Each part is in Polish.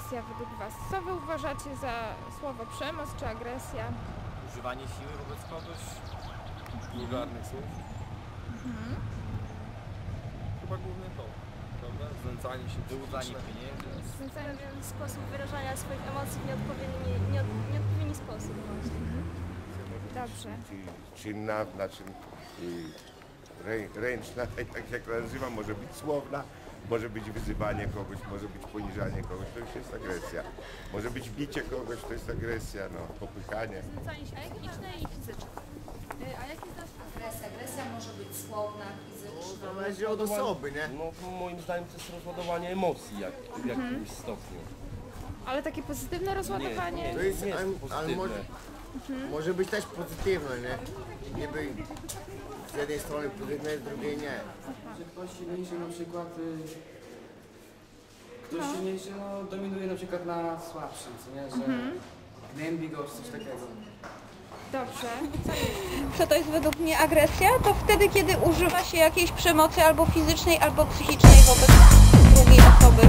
agresja według Was? Co Wy uważacie za słowo przemoc czy agresja? Używanie siły wobec kogoś, wulgarnych słów. Chyba głównie to, prawda? Znęcanie się, wyłudzanie pieniędzy. Pewien sposób wyrażania swoich emocji w nieodpowiedni sposób właśnie. Dobrze. Czynna, znaczy ręczna, tak jak to nazywam, może być słowna, może być wyzywanie kogoś, może być poniżanie kogoś, to już jest agresja. Może być bicie kogoś, to jest agresja, no, popychanie. Znęcanie się psychiczne i fizyczne. A jakie znasz Agresja? Agresja może być słowna, fizyczna. Zależy od osoby, nie? No moim zdaniem to jest rozładowanie emocji w jakimś stopniu. Ale takie pozytywne rozładowanie? To jest, Nie jest ale pozytywne. może być też pozytywne, nie? Niby z jednej strony pozytywne, z drugiej nie. Że ktoś silniejszy na przykład, silniejszy dominuje na przykład na słabszym, co nie? Że gnębi go czy coś takiego. Dobrze. Co to jest według mnie agresja? To wtedy, kiedy używa się jakiejś przemocy albo fizycznej, albo psychicznej wobec drugiej osoby.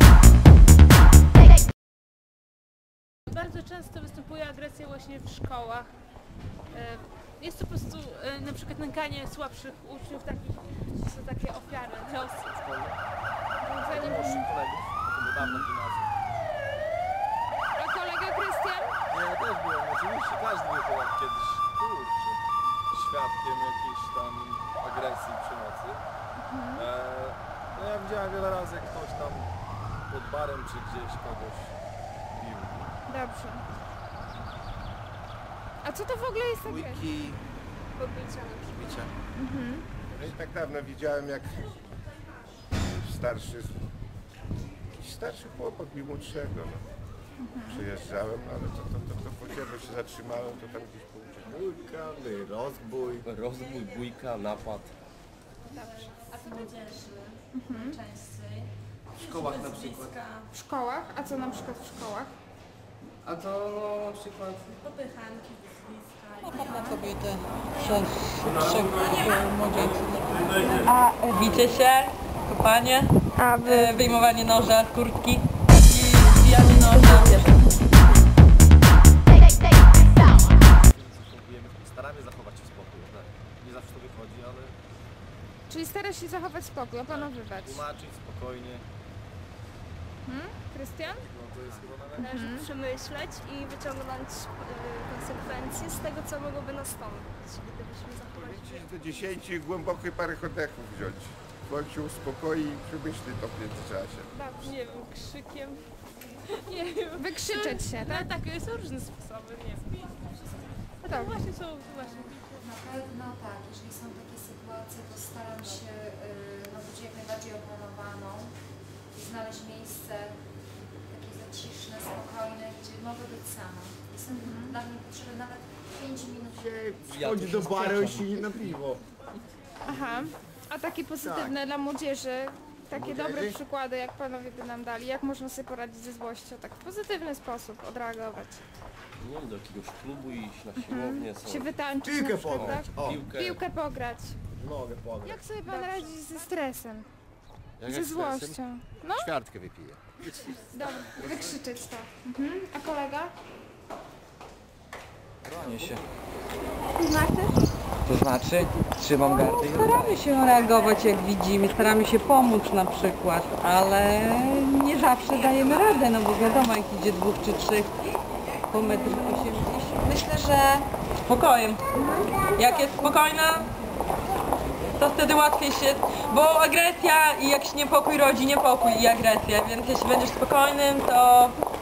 Bardzo często występuje agresja właśnie w szkołach. Jest to po prostu na przykład nękanie słabszych uczniów, takich, to są takie ofiary losu. Budzenie Naszych kolegów, to było dawno w gimnazjum. A kolega Krystian? Nie, ja też byłem, oczywiście, każdy był chyba kiedyś, kurczę, świadkiem jakiejś tam agresji, przemocy. No ja widziałem wiele razy, jak ktoś tam pod barem czy gdzieś kogoś bił. Dobrze. A co to w ogóle jest agresja? Pobicia na przykład. Bicie. No i tak dawno widziałem, jak jakiś starszy chłopak bił młodszego, no. Przyjeżdżałem, ale to po ciebie się zatrzymałem, to tam gdzieś pójdzie. Bójka, rozbój. Rozbój, bójka, napad. A w młodzieży częściej. W szkołach na przykład. W szkołach? A co na przykład w szkołach? A to no, na przykład Popychanki, wyzwiska. Napad na kobietę przez trzech młodzieńców. A bicie się, kopanie, wyjmowanie noża z kurtki i zbijanie noża. Staramy zachować się spokój, tak? Nie zawsze to wychodzi, ale Czyli starasz się zachować spokój, opanowywać. tłumaczyć spokojnie, Krystian? no to jest chyba najlepiej. Należy przemyśleć i wyciągnąć konsekwencje z tego, co mogłoby nastąpić, gdybyśmy zachowali się. Liczyć do 10 i głębokie parę oddechów wziąć. Człowiek się uspokoi i przemyśli to w międzyczasie. Dobrze. Nie wiem, krzykiem. Nie wiem. Wykrzyczeć się, No tak? tak, są różne sposoby, nie wiem. No dobrze. Właśnie są właśnie. Na pewno tak, jeżeli są takie sytuacje, to staram się być jak najbardziej opanowaną i znaleźć miejsce takie zaciszne, spokojne, gdzie mogę być sama. Jestem dla mnie potrzebne nawet 5 minut. Wchodzi do baru i siedzi na piwo. Aha. A takie pozytywne dla młodzieży, takie dobre przykłady, jak panowie by nam dali, jak można sobie poradzić ze złością, tak w pozytywny sposób odreagować. Nie wiem, do jakiegoś klubu iść, na siłownię, Się wytańczyć Piłkę na przykład, pograć. tak? O, Piłkę pograć. mogę pograć. Jak sobie pan radzi ze stresem? Jak Ze złością? No, Ćwiartkę wypiję. dobra, wykrzyczeć to. A kolega? bronię się. To znaczy? To znaczy trzymam gardę i Staramy się reagować jak widzimy, staramy się pomóc na przykład, ale nie zawsze dajemy radę, no bo wiadomo jak idzie 2 czy 3 po 1,80 m. Myślę, że spokojem. Jak jest spokojna, to wtedy łatwiej się, bo agresja i jak się niepokój rodzi niepokój i agresja, więc jeśli będziesz spokojnym, to